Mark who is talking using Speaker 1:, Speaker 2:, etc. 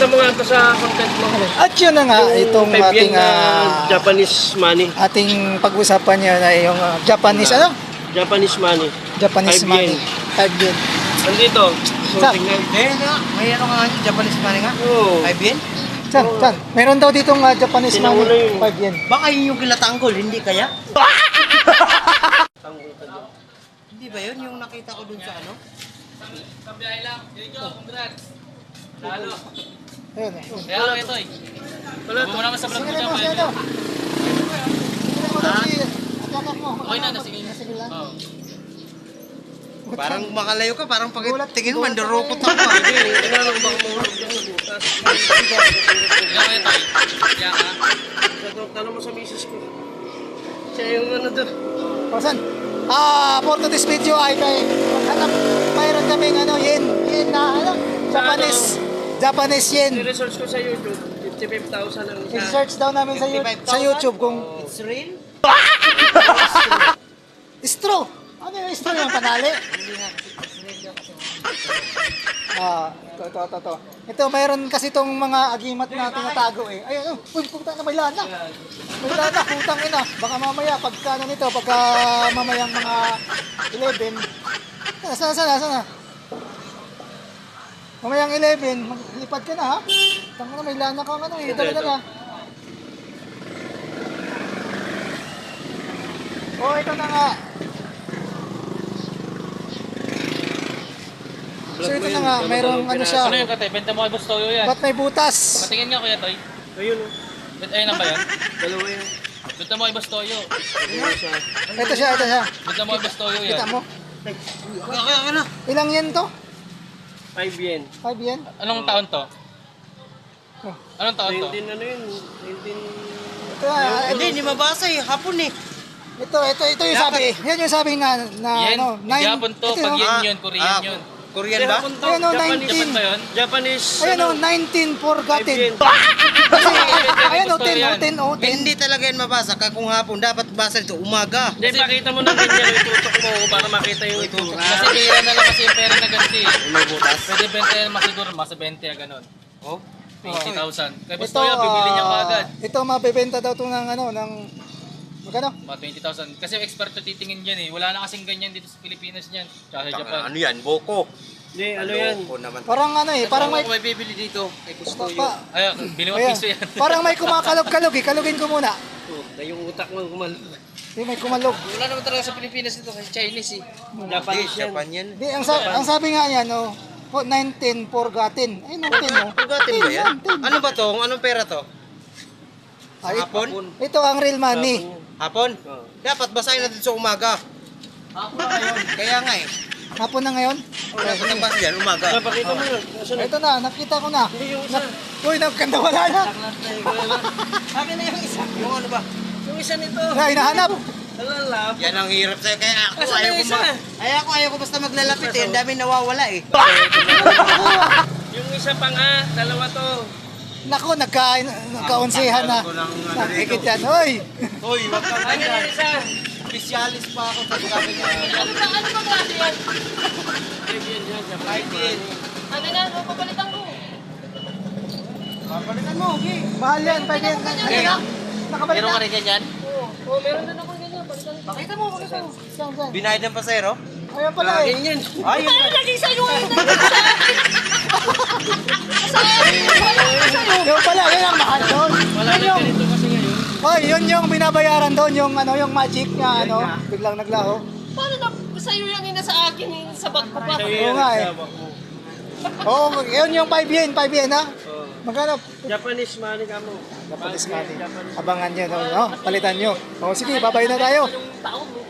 Speaker 1: mo nga ito sa content mo.
Speaker 2: At yun na nga, itong
Speaker 1: 5 yen
Speaker 2: ating
Speaker 1: na Japanese money.
Speaker 2: ating pag-usapan niya na yung Japanese ano?
Speaker 1: Japanese money.
Speaker 2: Japanese
Speaker 1: 5
Speaker 2: money.
Speaker 1: yen.
Speaker 2: 5 yen.
Speaker 1: Nandito. So,
Speaker 2: Saan?
Speaker 1: tingnan.
Speaker 3: May ano nga, Japanese money nga?
Speaker 1: Oo.
Speaker 3: 5 yen?
Speaker 2: Saan? Meron daw ditong Japanese
Speaker 1: Tinawala
Speaker 2: money.
Speaker 1: yun.
Speaker 2: 5 yen.
Speaker 3: Baka yun yung kinatanggol, hindi kaya? Hindi ba yun yung nakita ko dun sa ano?
Speaker 4: Kabiyahe lang. Yun yun, congrats. Lalo.
Speaker 2: Ayun.
Speaker 4: Kaya lang ito eh.
Speaker 1: Wala
Speaker 4: Huwag mo naman sa vlog
Speaker 2: Sige
Speaker 4: mo
Speaker 2: na mo,
Speaker 4: dyan.
Speaker 2: sige na. Sige na mo daw si atakak mo.
Speaker 4: Okay na, sige na.
Speaker 2: Sige lang.
Speaker 4: Oo.
Speaker 3: Parang makalayo ka, parang pag tingin mo,
Speaker 2: Gulat
Speaker 3: mandurukot
Speaker 2: ako
Speaker 3: ako.
Speaker 1: Hindi, kailangan ko baka mahulog dyan ng butas.
Speaker 4: Kaya ko ito eh. Kaya ka.
Speaker 1: Tanong mo sa misis ko. Siya yung ano doon.
Speaker 2: Pasan? For today's video ay kay maghanap, mayroon kaming ano, yen na ano, Japanese yen.
Speaker 1: I-research ko sa YouTube. 55,000 ang isa.
Speaker 2: I-search daw namin sa
Speaker 3: 55,000?
Speaker 2: YouTube kung
Speaker 3: It's real?
Speaker 2: straw. Ano yung straw yung panali? Ito. Ito, mayroon kasi itong mga agimat na tinatago eh. Ayun, uy, puta na may lana. May lana, putang ina. Baka mamaya, pagka ano nito, pagka mamayang mga 11. Sana. Mamayang 11, maglipad ka na ha. Tanga na, may lana kang ano eh. Talaga na. Oh, ito na nga. So ito na nga, mayroong ano siya.
Speaker 4: Ano yung kate? Benta mo kay Boss Toyo yan.
Speaker 2: Ba't may butas?
Speaker 4: Patingin nga kuya Toy.
Speaker 1: Ayun o.
Speaker 4: Ayun na ba yan?
Speaker 1: Dalawa yan.
Speaker 4: Benta mo kay Boss Toyo.
Speaker 1: Ayun siya.
Speaker 2: Ito siya.
Speaker 4: Benta mo kay Boss Toyo yan.
Speaker 2: Kita mo?
Speaker 3: Okay na.
Speaker 2: Ilang yen to?
Speaker 1: 5 yen.
Speaker 2: 5 yen?
Speaker 4: Anong taon to?
Speaker 2: Oh.
Speaker 4: Anong taon to?
Speaker 1: 19 ano yun? 19...
Speaker 2: Ito,
Speaker 3: Hindi mabasa eh. Hapon eh.
Speaker 2: ito yung sabi. Yan yung sabi na
Speaker 4: Yen?
Speaker 2: ano,
Speaker 4: Hindi Japon to.
Speaker 2: ito
Speaker 4: Pag
Speaker 2: yung-
Speaker 4: yen yun, Korean yun.
Speaker 3: Korean ba?
Speaker 2: Ayun o, 19.
Speaker 4: Japan ba yun?
Speaker 1: Japanese.
Speaker 2: Ayun o,
Speaker 1: ano,
Speaker 2: 19 forgotten.
Speaker 1: 5 yen.
Speaker 2: Kasi, ayun o,
Speaker 4: Gusto yan.
Speaker 2: 10.
Speaker 3: Hindi talaga yan mabasa. Kung hapon, dapat basa nito umaga.
Speaker 1: Hindi, pakita mo na ganyan. Itutok mo para makita yung itutok.
Speaker 4: Kasi bira na lang kasi yung pera na ganti eh.
Speaker 3: May butas.
Speaker 4: Pwede benta yan masiguro, masa 20 ganon.
Speaker 3: Oh?
Speaker 4: 20,000. Kay Boss Toyo, bibili niya agad.
Speaker 2: Ito, mabebenta daw to ng ano, ng, magkano?
Speaker 4: Mga 20,000. Kasi experto titingin dyan eh. Wala na kasing ganyan dito sa Pilipinas niyan. Tsaka sa Japan.
Speaker 3: Ano yan? Boko.
Speaker 1: Hindi, ano yan?
Speaker 3: Boko naman.
Speaker 2: Parang ano eh, parang may,
Speaker 3: Ako may bibili dito. Kay Kustoyo.
Speaker 4: Ayun, bili mo
Speaker 2: ayan,
Speaker 4: piso yan.
Speaker 2: parang may kumakalog-kalog eh, kalugin ko muna.
Speaker 1: Oh, na yung utak mo kumalog.
Speaker 2: Hindi, may kumalog.
Speaker 4: Wala naman talaga sa Pilipinas dito kasi Chinese eh.
Speaker 1: Japanese yan.
Speaker 3: Japan yan.
Speaker 2: Di, ang sabi nga niya, no, 19 forgotten. Ay, 19, no?
Speaker 3: Pugatin ba yan?
Speaker 2: 10.
Speaker 3: Ano ba to? Anong pera to?
Speaker 2: Ay,
Speaker 3: Hapon?
Speaker 2: ito ang real money.
Speaker 3: Hapon?
Speaker 1: Oh.
Speaker 3: Dapat basahin natin sa umaga. Kaya nga eh.
Speaker 2: Hapon na ngayon.
Speaker 3: Dapat ang basa yan, umaga.
Speaker 1: Napakita mo yun. Asan na?
Speaker 2: Ito na, nakita ko na.
Speaker 1: Hindi yung isa.
Speaker 2: Uy, nagkanda wala na.
Speaker 3: Akin na yung isa. Yung ano ba?
Speaker 1: Yung isa nito.
Speaker 2: Na, hinahanap.
Speaker 1: Alalap.
Speaker 3: Yan ang hirap sa'yo. Kaya ako
Speaker 1: Asan na
Speaker 3: ayaw
Speaker 1: yung
Speaker 3: ko
Speaker 1: isa?
Speaker 3: ayaw ko basta maglalapit eh. Ang dami nawawala eh.
Speaker 1: Yung isa pa nga. Dalawa to.
Speaker 2: Nako, nagkaunsihan na. Nakikit yan. Uy!
Speaker 3: Hoy, wag kang
Speaker 1: Akin yung isa.
Speaker 3: Specialist pa ako sa gamit niya.
Speaker 5: Ano ba klase yan?
Speaker 1: 5 yen yan.
Speaker 3: Kahit din.
Speaker 5: Ano na, papalitan ko.
Speaker 3: Papalitan mo, okay.
Speaker 2: Mahal yan, pwede yan. Nakabalik
Speaker 4: Meron
Speaker 2: na.
Speaker 4: ka rin ganyan?
Speaker 5: Oh, meron din ako ganyan. Palitan ko.
Speaker 2: Pakita mo. Saan?
Speaker 3: Binayad ng pasero?
Speaker 2: Ayan pala eh.
Speaker 1: Akin yan.
Speaker 3: Ay,
Speaker 5: Ano lagi sa'yo? Sa akin!
Speaker 2: Yung pala, yun ang mahal doon.
Speaker 1: Wala
Speaker 2: Yun
Speaker 1: na
Speaker 2: yung,
Speaker 1: ganito kasi ngayon.
Speaker 2: hoy, yun yung binabayaran doon, yung ano, yung magic na ano, biglang naglaho.
Speaker 5: Paano na sa'yo yung ina sa akin yung sa bag ko pa?
Speaker 1: Sa'yo
Speaker 2: Oo
Speaker 1: yan,
Speaker 2: nga eh.
Speaker 1: sabak mo.
Speaker 2: Oo, yun yung 5 yen ha.
Speaker 1: Oh.
Speaker 2: Magkano?
Speaker 1: Japanese money ka mo.
Speaker 2: Japanese money.
Speaker 1: Japanese.
Speaker 2: Abangan nyo, no? Palitan nyo. O sige, babay na tayo.
Speaker 5: Yung taon mo.